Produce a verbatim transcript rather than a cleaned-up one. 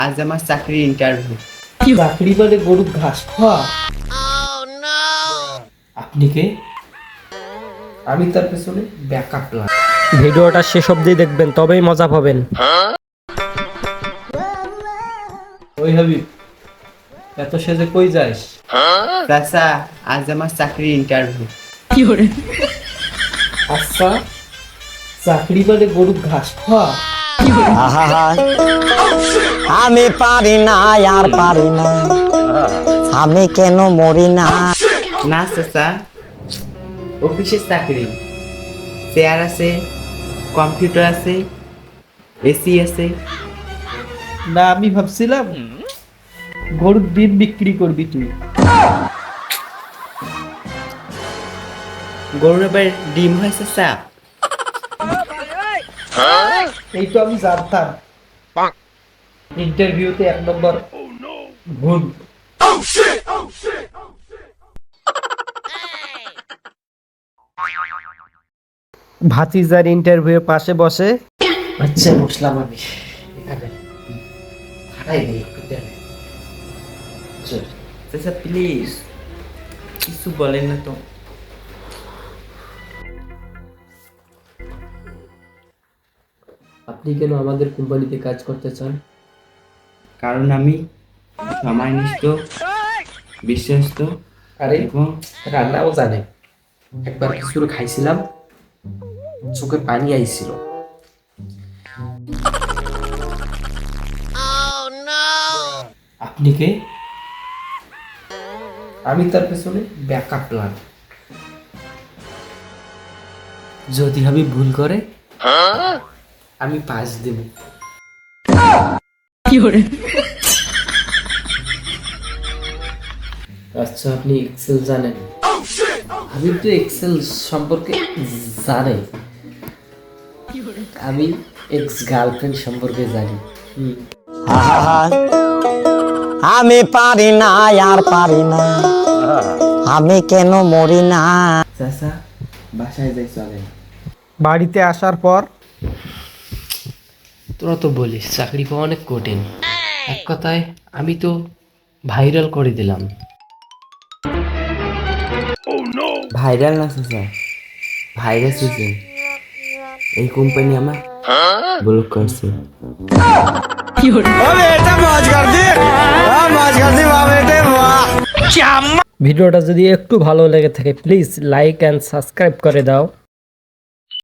আজ আমার চাকরির ইন্টারভিউ। চাকরি বলে গরুর ঘাস খাওয়া? আপনি কে? আমি তার পেছনে ব্যাকআপ প্ল্যান। ভিডিওটা শেষ অবধি দেখবেন, তবেই মজা পাবেন। ওই হাবিব, এত সেজে কই যাস? চাচা, আজ আমার চাকরির ইন্টারভিউ। আচ্ছা, চাকরি বলে গরুর ঘাস খাওয়া? আহা, আমি পারি না আর পারি না, আমি কেন মরি না। না চাচা, অফিসের চাকরি, চেয়ার আছে, কম্পিউটার আছে, এসি আছে। না, আমি ভাবছিলাম গরুর ডিম বিক্রি করবি তুই। গরুর এবার ডিম হয় চাচা? এই তো আমি জানতাম ইন্টারভিউতে এক নম্বর ভুল। ভাতিজার ইন্টারভিউ পাশে বসে আচ্ছা, বসলাম আমি এখানে। হারাই নেই একটু দেন। চল। চাচা প্লিজ কিছু বলেন না তো। আপনি কেন আমাদের কোম্পানিতে কাজ করতে চান? কারণ আমি সময়নিষ্ঠ, বিশ্বস্ত আরে এবং রান্নাও জানে। একবার কিছু খাইছিলাম, চোখে পানি আইছিল। আপনি কে? আমি তার পেছনে ব্যাকআপ প্ল্যান। যদি আমি ভুল করে আমি পাস দেব। আচ্ছা, আপনি এক্সেল জানেন? আমি তো এক্সেল সম্পর্কে জানি। আমি এক্স গার্লফ্রেন্ড সম্পর্কে জানি। হুম। আহা, আমি পারি না আর পারি না, আমি কেন মরি না। চাচা বাসায় যাই চলেন। বাড়িতে আসার পর তোরা তো বলিস চাকরি পাওয়া অনেক কঠিন। এক কথায় আমি তো ভাইরাল করে দিলাম। ভাইরাল না চাচা, ভাইরাস হয়েছে। এই কোম্পানি আমার ব্লক করছে। ভিডিওটা যদি একটু ভালো লেগে থাকে প্লিজ লাইক অ্যান্ড সাবস্ক্রাইব করে দাও।